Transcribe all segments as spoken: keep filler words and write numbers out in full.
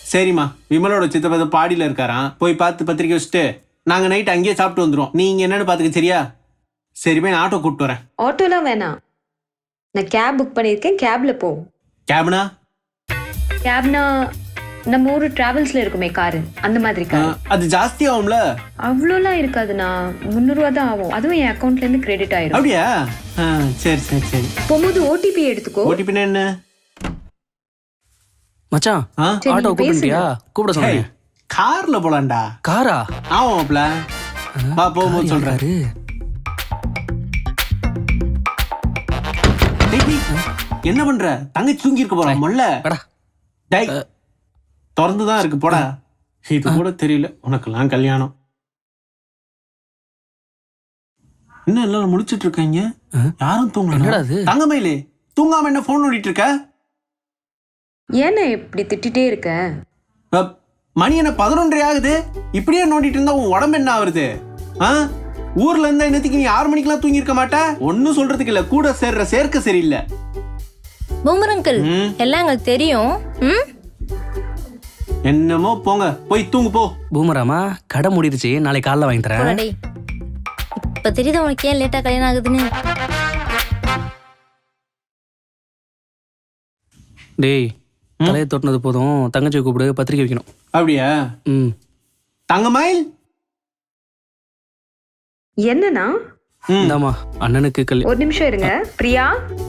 சரிம்மா, விமலோட சித்தப்பா பாடியில இருக்காராம், போய் பார்த்து பத்திரிக்கை வச்சுட்டு நாங்க நைட் அங்கேயே சாப்பிட்டு வந்துடும். நீங்க என்னன்னு பாத்துக்க, சரியா? சரி, போய் நான் ஆட்டோ கூப்பிட்டு வரேன். ஆட்டோலாம் வேணாம், நான் கேப் புக் பண்ணியிருக்கேன், கேப்ல போ. கேப்னா? கேப்னா நம்ம ஊரு டிராவல்ஸ்ல இருக்குமே காரு, அந்த மாதிரி கார். அது ஜாஸ்தி ஆகும்ல? அவ்வளோலாம் இருக்காதுண்ணா, முந்நூறுவா தான் ஆகும். அதுவும் என் அக்கௌண்ட்ல இருந்து கிரெடிட் ஆயிடும். அப்படியா? ஆ, சரி சரி சரி. போகும்போது ஓடிபி எடுத்துக்கோ. ஓடிபினா என்ன? மச்சான், ஆ? சரி, ஆட்டோ நீ கூப்பிட்டியா? பேசுங்க. கூப்பிட சொன்னேன். கார்ல போலாம்டா. காரா? ஆமாப்ல, வா போகும்போது சொல்றாரு. என்ன பண்ற? தங்கச்சி தூங்கி இருக்க போறா மொல்ல. டேய், திறந்துதான் இருக்கு, போடா. இது கூட தெரியல உனக்கெல்லாம் கல்யாணம். இன்னும் எல்லாரும் முடிச்சிட்டு இருக்காங்க, யாரும் தூங்கல. தங்கமயிலே, தூங்காம என்ன போன் நோண்டிட்டு இருக்க? ஏன்னா இப்படி திட்டிட்டே இருக்க? அப், மணி என்ன பதினொன்றரை ஆகுது, இப்படியே நோண்டிட்டு இருந்தா உன் உடம்பு என்ன ஆகுது? ஆ? ஊர்ல இருந்தா என்னத்துக்கு நீ ஆறு மணிக்கெல்லாம் தூங்கி இருக்க மாட்டா? ஒன்னும் சொல்றதுக்கு இல்ல, கூட சேர்ற சேர்க்க சரியில்லை. பூமர் அங்கிள், எல்லாம் எங்களுக்கு தெரியும். ம்? என்னமோ போங்க, போய் தூங்கு போ. பூமராமா, கடை மூடிடுச்சு, நாளைக்கு காலைல வாங்கி தரேன். போடா டேய். இப்ப தெரியுது உனக்கு ஏன் லேட்டா கல்யாணம் ஆகுதுன்னு. டேய், தலையை தொட்டினது போதும், தங்கச்சி கூப்பிடு, பத்திரிக்கை வைக்கணும். அப்படியா? ம். தங்கமயில் என்னன்னா? இந்தாம்மா, அண்ணனுக்கு கல்யாணம். ஒரு நிமிஷம் இருங்க. பிரியா,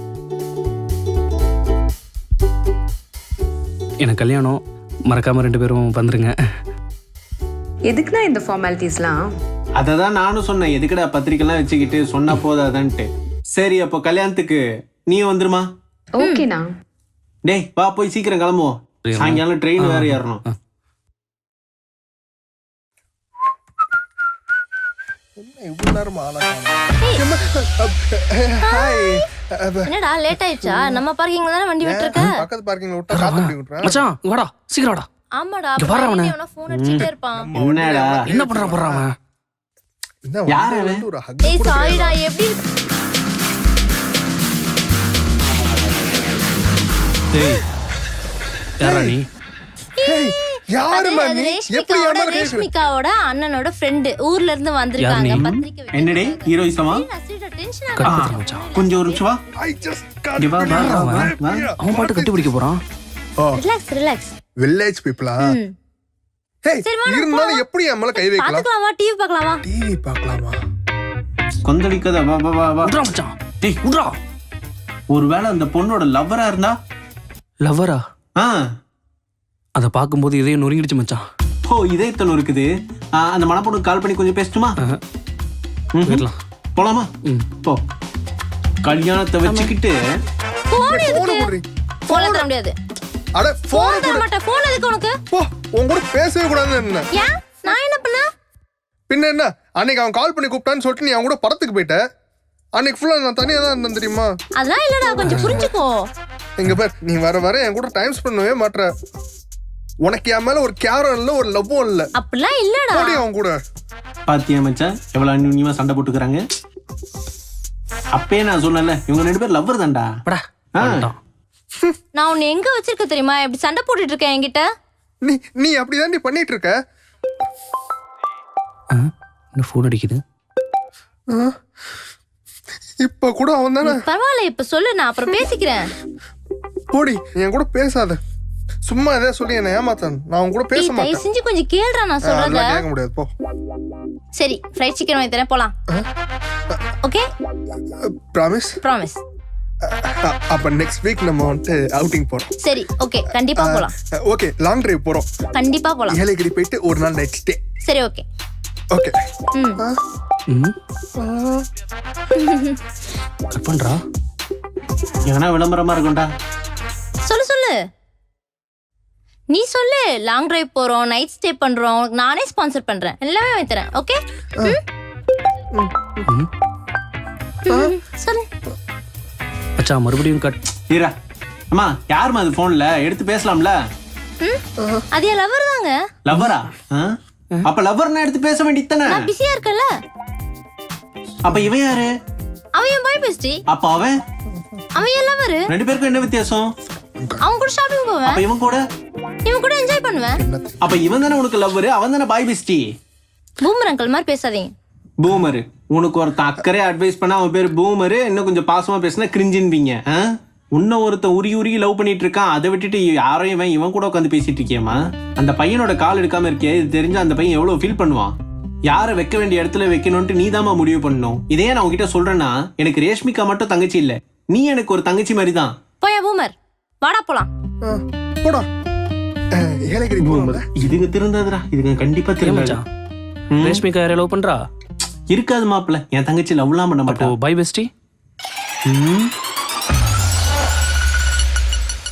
எனக்கு கல்யாணம், மறக்காம ரெண்டு பேரும் வந்துருங்க. எதுக்குன்னா இந்த ஃபார்மாலிட்டிஸ்லாம்? அததான் நானும் சொன்னேன், எதுக்குடா பத்திரிக்கைலாம் வச்சுக்கிட்டு, சொன்னா போதாதான்ட்டு. சரி, அப்போ கல்யாணத்துக்கு நீ வந்துருமா? ஓகேண்ணா. டேய் வா, போய் சீக்கிரம் கிளம்புவோம், சாயங்காலம் ட்ரெயின் வேற ஏறணும். என்னடா லேட் ஆயிடுச்சா? நம்ம பார்க்கிங்ல தானே வண்டி விட்டுருக்க. பக்கத்து பார்க்கிங்ல விட்டா காத்து முடி விட்டுறேன். மச்சான், வாடா, சீக்கிரம் வாடா. ஆமாடா, இங்க பாரு அவனை. அவன ஃபோன் அடிச்சிட்டே இருப்பான். என்னடா என்ன பண்றான் போறான் அவன்? என்ன யாரு வந்து அவன்? ஒரு hug ஏய் கூட சாரிடா, எப்படி டேய், யாரா நீ? ஏய், யாரு அது மணி? எப்படி ரேஷ்மிகாவோட ஏமாற கேக்குற? ரேஷ்மிகாவோட அண்ணனோட ஃப்ரெண்ட் ஊர்ல இருந்து வந்திருக்காங்க யார் நீ? பத்திரிக்கை வைக்க. என்னடே ஹீரோயிசமா? டென்ஷன் கட் ஆகுது. பண்றான் மச்சான். கொஞ்சம் ஒரு நிமிஷம் வா. I just can't இங்க வா, வா, believe வா, வா, it. வா. அவன் பாட்டு கட்டி பிடிக்க போறான். ஓ, ரிலாக்ஸ் ரிலாக்ஸ். village people ஆ? ம். ஏய், சரி, வா, நான் இருந்தாலும் எப்படி என் மேல கை வைக்கலாம்? பாத்துக்கலாமா? டிவி பார்க்கலாமா? டிவி பார்க்கலாமா? கொந்தளிக்காத, வா வா வா வா. விட்றா மச்சான். டேய் விட்றா. ஒருவேளை அந்த பொண்ணோட லவ்வரா இருந்தா? லவ்வரா? ஆ, அதை பார்க்கும்போது இதையும் நொறுங்கிடுச்சு மச்சான். ஓ, இதயத்தல் இருக்குது. ஆ, அந்த மணப்பொண்ணுக்கு கால் பண்ணி கொஞ்சம் பேசட்டுமா? ஆஹா. ம்ஹும். போயிடலாம். போலாமா? ம். போ. கல்யாணத்தை வச்சுக்கிட்டு போன் போன எதுக்கு? குடுறி. போன்ல தர முடியாது. அட போன போன் தர மாட்டேன். போன் எதுக்கு உனக்கு? போ, உன் கூட பேசவே கூடாதுன்னு என்ன? ஏன்? நான் என்ன பண்ண? பின்ன என்ன, அன்னைக்கு அவன் கால் பண்ணி கூப்பிட்டான்னு சொல்லிட்டு நீ அவன் கூட படத்துக்கு போயிட்ட. அன்னைக்கு ஃபுல்லா நான் தனியா தான் இருந்தேன் தெரியுமா? அதெல்லாம் இல்லடா, கொஞ்சம் புரிஞ்சுக்கோ. இங்க பார், நீ வர வர என் கூட டைம் ஸ்பெண்ட் பண்ணவே மாட்ற. உனக்கு என் மேல ஒரு கேரம் இல்ல, ஒரு லவ்வும் இல்ல. அப்படிலாம் இல்லடா. போடி அவன் கூட. பாத்தியா மச்சான், எவ்வளவு அந்யுன்யமா சண்டை போட்டுக்கிறாங்க. அப்பயே நான் சொன்னல, இவங்க ரெண்டு பேரும் லவ்வர் தான்டா. படா. ஆ. வந்துட்டான். நான் உன்னை எங்க வச்சிருக்க தெரியுமா? இப்படி சண்டை போட்டுட்டு இருக்கேன் என்கிட்ட. நீ நீ அப்படிதான் நீ பண்ணிட்டு இருக்க. ஆ, என்ன ஃபோன் அடிக்குது? இப்ப கூட அவன் தானே. பரவாயில்ல, இப்ப சொல்லு, நான் அப்புறம் பேசிக்கிறேன். போடி, நீ என் கூட பேசாத. சும்மா எதாவது சொல்லி என்ன ஏமாத்தான். நான் அவன் கூட பேச ஏய், தயவு மாட்டேன். செஞ்சு கொஞ்சம் கேளுடா நான் சொல்றத. அதெல்லாம் கேட்க முடியாது, போ. சரி, ஃப்ரைட் சிக்கன் வாங்கி தரேன், போலாம். Okay, promise. ப்ராமிஸ். அப்ப நெக்ஸ்ட் வீக் நம்ம வந்துட்டு அவுட்டிங் போறோம். சரி, ஓகே, கண்டிப்பா போலாம். ஓகே, லாங் டிரைவ் போறோம். கண்டிப்பா போலாம். ஏலகிரி போயிட்டு ஒரு நாள் நைட் ஸ்டே. சரி, ஓகே. ஓகே. ம். ம். கட் பண்றா. எவனா விளம்பரமா இருக்கும்டா. சொல்லு சொல்லு. நீ சொல்லு. லாங் டிரைவ் போறோம், நைட் ஸ்டே பண்றோம், உனக்கு நானே ஸ்பான்சர் பண்றேன், எல்லாமே வாங்கி தரேன். ஓகே? ம். சொல்லு. மச்சான், மறுபடியும் கட். ஈரா, அம்மா யாருமா அது போன்ல? எடுத்து பேசலாம்ல. ம்? அது என் லவர் தாங்க. லவ்வரா? அப்ப லவ்வர்னா எடுத்து பேச வேண்டியது தானே. நான் பிஸியா இருக்கேன்ல. அப்ப இவன் யாரு? அவன் என் பாய் பெஸ்டி. அப்ப அவன்? அவன் என் லவர். ரெண்டு பேருக்கும் என்ன வித்தியாசம்? அவன் கூட ஷாப்பிங் போவேன். அப்ப இவன் கூட இவன் கூட என்ஜாய் பண்ணுவேன். அப்ப இவன் தானே உனக்கு லவ்வர், அவன் தானே பாய் பெஸ்டி. பூமர் அங்கிள் மாதிரி பேசாதீங்க. பூமரு, உனக்கு ஒருத்தன் அக்கறையா அட்வைஸ் பண்ணா அவன் பேர் பூமரு, இன்னும் கொஞ்சம் பாசமா பேசினா கிரிஞ்சின்பீங்க. உன்ன ஒருத்தன் உருகி உருகி லவ் பண்ணிட்டு இருக்கான், அதை விட்டுட்டு யாரையும் இவன் இவன் கூட உட்காந்து பேசிட்டு இருக்கியம்மா. அந்த பையனோட கால் எடுக்காம இருக்கியே, இது தெரிஞ்ச அந்த பையன் எவ்வளவு ஃபீல் பண்ணுவான். யாரை வைக்க வேண்டிய இடத்துல வைக்கணும்ட்டு நீ தாமா முடிவு பண்ணணும். இதே நான் உங்ககிட்ட சொல்றேன்னா, எனக்கு ரேஷ்மிகா மட்டும் தங்கச்சி இல்ல, நீ எனக்கு ஒரு தங்கச்சி மாதிரி தான். போயா பூமர், வாடா போலாம். ஆ, போடா அஹ், ஏலகிரி போகும்போது இதுங்க திருந்தாதுடா, இதுங்க கண்டிப்பா ஏன் திரும்ப மச்சான் ரேஷ்மிகா யாரை லவ் பண்றா? இருக்காது மாப்பிள்ள, என் தங்கச்சி லவ்லாம் பண்ண அப்போ மாட்டா. Bye bestie. ம்